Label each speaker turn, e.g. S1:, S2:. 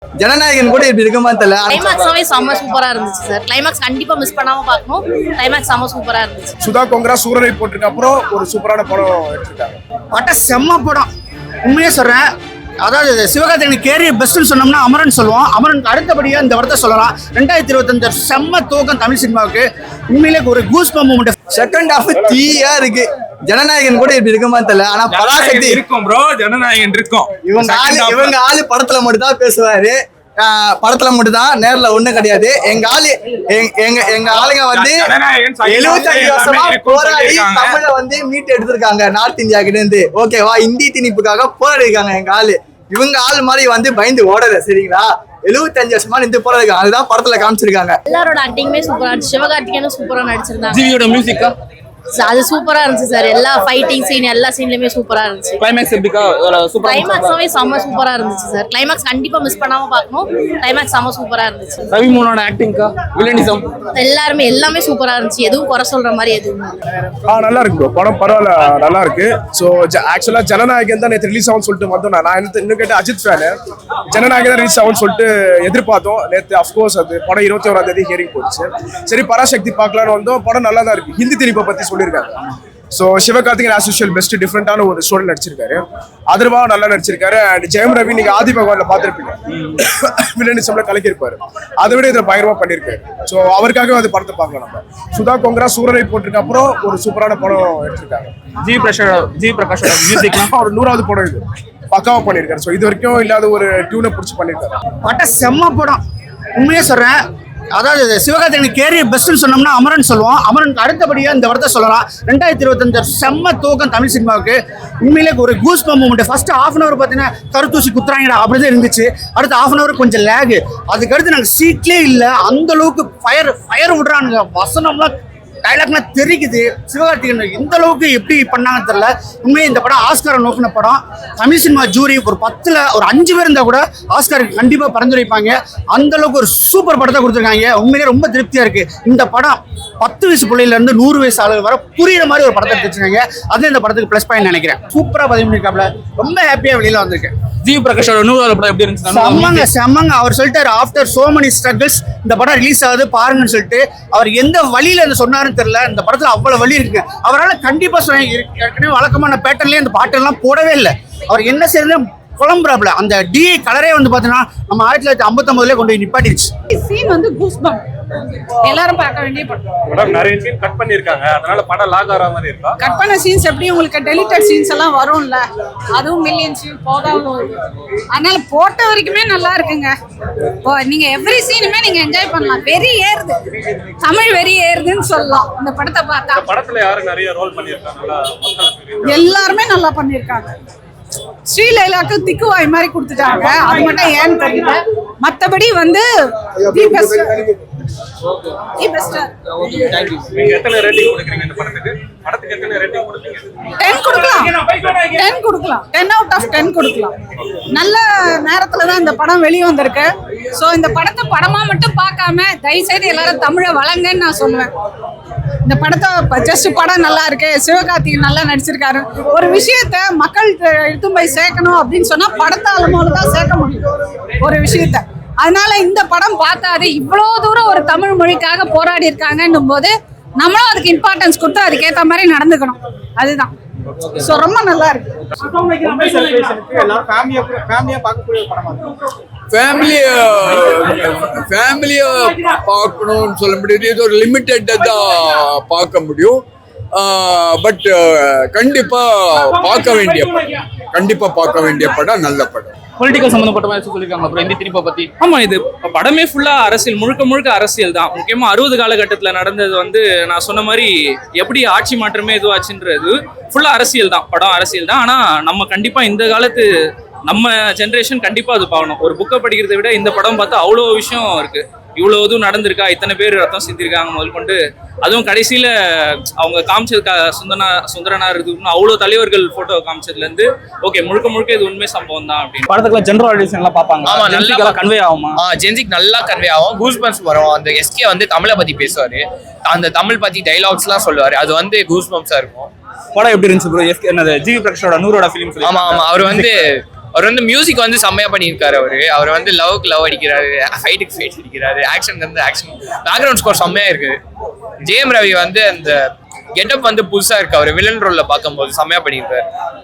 S1: ஜனநாயகன் கூட இப்படி இருக்குமா தெரியல.
S2: கிளைமாக்ஸாவே செம்ம சூப்பரா இருந்துச்சு சார். கிளைமாக்ஸ் கண்டிப்பா மிஸ் பண்ணாம பார்க்கணும். கிளைமாக்ஸ் செம்ம சூப்பரா இருந்துச்சு.
S3: சுதா கொங்கரா சூரரை போட்டிருக்க அப்புறம் ஒரு சூப்பரான படம் எடுத்திருக்காங்க.
S4: படம் செம்ம படம், உண்மையே சொல்றேன். அதாவது சிவகார்த்திகேயன் கேரியர் பெஸ்ட்னு சொன்னோம்னா அமரன் சொல்லுவோம். அமரனுக்கு அடுத்தபடியா இந்த படத்தை சொல்லலாம். 2025 செம்ம துவக்கம் தமிழ் சினிமாவுக்கு. உண்மையிலே ஒரு goose bump moment.
S1: Second half தீயா இருக்கு. ஜனநாயகன் கூட இப்படி இருக்குமா தெரியல. ஆனா பராசக்தி
S5: இருக்கும் ப்ரோ, ஜனநாயகன் இருக்கும்.
S1: இவங்க ஆளு படத்துல மட்டும் தான் பேசுவாரு. படத்துல மட்டும் தான், நேர்ல ஒண்ணும் கிடையாது. எங்க ஆளுங்க வந்து 75 வருஷமா போராடி தமிழ வந்து மீட் எடுத்திருக்காங்க நார்த் இந்தியா கிட்ட இருந்து. ஓகேவா, இந்தி திணிப்புக்காக போராடி இருக்காங்க எங்க ஆளு. இவங்க ஆள் மாதிரி வந்து பயந்து ஓடல, சரிங்களா? 75 வருஷமா நின்று போராடி, அதுதான் படத்துல காமிச்சிருக்காங்க.
S2: எல்லாரோட ஆக்டிங்குமே சூப்பரா இருந்துச்சு. சிவகார்த்திகேயனும் சூப்பரா நடிச்சிருந்தாங்க.
S5: ஜிவியோட மியூசிக்கா
S2: அது சூப்பரா இருந்துச்சு சார். எல்லா ஃபைட்டிங் சீன் எல்லா சீன்லயுமே சூப்பரா இருந்துச்சு.
S5: கிளைமாக்ஸ் எப்படிக்கா? சூப்பரா
S2: கிளைமாக்ஸாவே செம்ம சூப்பரா இருந்துச்சு சார். கிளைமாக்ஸ் கண்டிப்பா மிஸ் பண்ணாம பார்க்கணும். கிளைமாக்ஸ் செம்ம சூப்பரா இருந்துச்சு.
S5: ரவி மோகனோட ஆக்டிங்கா, வில்லனிசம்
S2: எல்லாமே சூப்பரா இருந்துச்சு. எதுவும் குறை சொல்ற மாதிரி எதுவும்
S3: நல்லா இருக்கு ப்ரோ, படம் பரவாயில்ல, நல்லா இருக்கு. ஸோ ஆக்சுவலா ஜனநாயகன் தான் நேற்று ரிலீஸ் ஆகும்னு சொல்லிட்டு வந்தோம். நான் இன்னும் கேட்ட அஜித் ஃபேனு. ஜனநாயகன் தான் ரிலீஸ் ஆகும்னு சொல்லிட்டு எதிர்பார்த்தோம் நேற்று. அஃப்கோர்ஸ் அது படம் 21ஆம் தேதி ஹியரிங் போச்சு. சரி, பராசக்தி பார்க்கலான்னு வந்தோம். படம் நல்லா தான் இருக்கு. ஹிந்தி திணிப்பை பத்தி சொல்லியிருக்காங்க. So Sivakarthikeyan as usual best டிஃப்ரெண்டான ஒரு ஸ்டோரி நடிச்சிருக்காரு. அதர்வாவும் நல்லா நடிச்சிருக்காரு. அண்ட் ஜெயம் ரவி நீங்க ஆதி பகவான்ல பார்த்துருப்பீங்க, வில்லனிசம்ல கலக்கியிருப்பாரு. அதை விட இதை பயங்கரமா பண்ணியிருக்காரு. ஸோ அவருக்காகவே அந்த படத்தை பார்க்கலாம் நம்ம. சுதா கொங்கரா சூரரை போட்டிருக்க அப்புறம் ஒரு சூப்பரான படம் எடுத்திருக்காங்க. ஜி பிரகாஷோட மியூசிக்லாம் ஒரு 100வது படம் இது. பக்காவா பண்ணியிருக்காரு. ஸோ இது வரைக்கும் இல்லாத ஒரு டியூனை பிடிச்சி பண்ணியிருக்காரு.
S4: படம் செம்ம படம், உண்மையே சொல்றேன். அதாவது சிவகார்த்திகேயன் கேரியர் பெஸ்ட்னு சொன்னோம்னா அமரன் சொல்லுவோம். அமரனுக்கு அடுத்தபடியா இந்த படத்தை சொல்லலாம். 2025 செம்ம துவக்கம் தமிழ் சினிமாவுக்கு. உண்மையிலே ஒரு goose bump moment. First half an hour பார்த்தீங்கன்னா கருத்தூசி குத்துறாங்கடா அப்படிதான் இருந்துச்சு. அடுத்த ஹாஃப் அன் அவர் கொஞ்சம் லேகு. அதுக்கடுத்து நாங்கள் சீட்லேயே இல்லை, அந்த அளவுக்கு ஃபயர் விடுறானுங்க. வசனம்லாம் டைலாக்லாம் தெரிக்குது. சிவகார்த்திகேயன் இந்த அளவுக்கு எப்படி பண்ணாங்கன்னு தெரியல. உண்மையை இந்த படம் ஆஸ்காரை நோக்கின படம். தமிழ் சினிமா ஜூரி ஒரு 10ல் ஒரு 5 பேர் இருந்தால் கூட ஆஸ்காருக்கு கண்டிப்பாக பரிந்துரைப்பாங்க. அந்த அளவுக்கு ஒரு சூப்பர் படத்தை கொடுத்துருக்காங்க. உண்மையிலே ரொம்ப திருப்தியாக இருக்கு. இந்த படம் 10 வயசு பிள்ளையிலேருந்து 100 வயசு ஆளுங்க வர புரியுற மாதிரி ஒரு படத்தை எடுத்துருக்காங்க. அது இந்த படத்துக்கு ப்ளஸ் பாயிண்ட் நினைக்கிறேன். சூப்பராக பதிவு பண்ணியிருக்காப்ல. ரொம்ப ஹாப்பியாக வெளியில் வந்திருக்கேன்.
S5: ஜி பிரகாஷோட 100வது படம் எப்படி இருந்துச்சு?
S4: செம்மங்க. அவர் சொல்லிட்டாரு, ஆஃப்டர் சோ மெனி ஸ்ட்ரகிள்ஸ் இந்த படம் ரிலீஸ் ஆகுது பாருங்கன்னு சொல்லிட்டு. அவர் எந்த வழியில இருந்து சொன்னாருன்னு தெரியல. இந்த படத்துல அவ்வளவு வழி இருக்கு. அவரால் கண்டிப்பா ஏற்கனவே வழக்கமான பேட்டர்லயே அந்த பாட்டெல்லாம் போடவே இல்லை. அவர் என்ன செய்யறது குழம்புறாப்ல. அந்த டிஐ கலரே வந்து பாத்தீங்கன்னா நம்ம 1959 கொண்டு போய் நிப்பாட்டிருச்சு.
S6: சீன் வந்து கூஸ் பம்ப், எல்லாரும் பார்க்க வேண்டிய படம்.
S7: நிறைய சீன் கட் பண்ணிருக்காங்க, அதனால படம் லாக் ஆகிற மாதிரி இருக்கா.
S6: கட் பண்ண சீன்ஸ் எப்படி உங்களுக்கு டெலிட்டட் சீன்ஸ் எல்லாம் வரும்ல, அதுவும் மில்லியன் சீன் போதாவும் வருது. அதனால போட்ட வரைக்குமே நல்லா இருக்குங்க. நீங்க எவ்ரி சீனுமே நீங்க என்ஜாய் பண்ணலாம். வெறி ஏறுது, தமிழ் வெறி ஏறுதுன்னு சொல்லலாம் இந்த படத்தை பார்த்தா.
S7: படத்துல யாரு நிறைய ரோல் பண்ணிருக்காங்க?
S6: எல்லாருமே நல்லா பண்ணிருக்காங்க. ஸ்ரீலைலாக்கு திக்குவாய் மாதிரி கொடுத்துட்டாங்க. அது மட்டும் ஏன்னு தெரியல. மற்றபடி வந்து
S7: நீங்க எத்தனை ரேட்டிங் கொடுக்குறீங்க இந்த படத்துக்கு? படத்துக்கு எத்தனை ரேட்டிங் கொடுப்பீங்க?
S6: 10 கொடுக்கலாம். 10 கொடுக்கலாம். 10 out of 10 கொடுக்கலாம். நல்ல நேரத்துல தான் இந்த படம் வெளியே வந்திருக்கு. ஸோ இந்த படத்தை படமா மட்டும் பார்க்காம தயவுசெய்து எல்லாரும் தமிழை வழங்கன்னு நான் சொல்லுவேன். இந்த படத்தை ஜஸ்ட் படம் நல்லா இருக்கு, சிவகார்த்திகேயன் நல்லா நடிச்சிருக்காரு. ஒரு விஷயத்த மக்கள் எடுத்து போய் சேர்க்கணும் அப்படின்னு சொன்னா படத்தால மூலம் தான் சேர்க்க முடியும் ஒரு விஷயத்த. அதனால இந்த படம் பார்த்தாது இவ்வளோ தூரம் ஒரு தமிழ் மொழிக்காக போராடி இருக்காங்கன்னும் போது நம்மளும் அதுக்கு இம்பார்ட்டன்ஸ் கொடுத்து அதுக்கேற்ற மாதிரி நடந்துக்கணும். அதுதான். ஸோ ரொம்ப நல்லா இருக்கு.
S8: ஃபேமிலியை பார்க்கணும்னு சொல்ல முடியாது. இது ஒரு லிமிட்டெட்டாக தான் பார்க்க முடியும். பட் கண்டிப்பாக பார்க்க வேண்டிய படம், நல்ல படம்.
S5: பொலிட்டிக்கல் சம்பந்தப்பட்ட மாதிரி சொல்லியிருக்காங்க. அப்புறம் இந்தி திணிப்பை பத்தி. ஆமா, இது படமே ஃபுல்லா அரசியல், முழுக்க அரசியல் தான். முக்கியமா 60 காலகட்டத்துல நடந்தது வந்து நான் சொன்ன மாதிரி எப்படி ஆட்சி மாற்றமே இதுவாச்சுன்றது ஃபுல்லா அரசியல் தான். படம் அரசியல் தான். ஆனா நம்ம கண்டிப்பா இந்த காலத்து நம்ம ஜென்ரேஷன் கண்டிப்பா அது பார்க்கணும். ஒரு புக்கை படிக்கிறதை விட இந்த படம் பார்த்தா அவ்வளோ விஷயம் இருக்கு. இவ்வளோ இதுவும் நடந்திருக்கா, இத்தனை பேர் ரத்தம் சிந்திருக்காங்க முதல் கொண்டு. அதுவும் கடைசியில அவங்க காமிச்சது சுந்தரனார் இருக்குன்னு அவ்வளோ தலைவர்கள் போட்டோ காமிச்சதுலேருந்து ஓகே முழுக்க இது உண்மை சம்பவம் தான் அப்படின்னு. படத்துக்குள்ள ஜென்ரல் ஆடியன்ஸ் எல்லாம் பார்ப்பாங்க.
S9: ஆமா, நல்லா
S5: கன்வே ஆகுமா?
S9: ஜென்சிக்கு நல்லா கன்வே ஆகும். கூஸ் பம்ப்ஸ் வரும். அந்த எஸ்கே வந்து தமிழை பத்தி பேசுவாரு, அந்த தமிழ் பத்தி டைலாக்ஸ்லாம் சொல்லுவாரு. அது வந்து கூஸ் பம்ப்ஸா இருக்கும்.
S5: படம் எப்படி இருந்துச்சு ப்ரோ? என்னது ஜிவி பிரகாஷோட 100வது ஃபிலிம்?
S9: ஆமா, அவர் வந்து அவர் வந்து மியூசிக் வந்து செம்மையா பண்ணியிருக்காரு. அவர் வந்து லவ்க்கு லவ் அடிக்கிறாரு, ஃபைட்டுக்கு ஃபைட் அடிக்கிறாரு, ஆக்ஷனுக்கு வந்து ஆக்ஷன், பேக்ரவுண்ட் ஸ்கோர் செம்மையா இருக்கு. ஜெயம் ரவி வந்து அந்த கெட்டப் வந்து புதுசா இருக்கு. அவர் வில்லன் ரோல்ல பார்க்கும்போது செம்மையா பண்ணியிருக்காரு.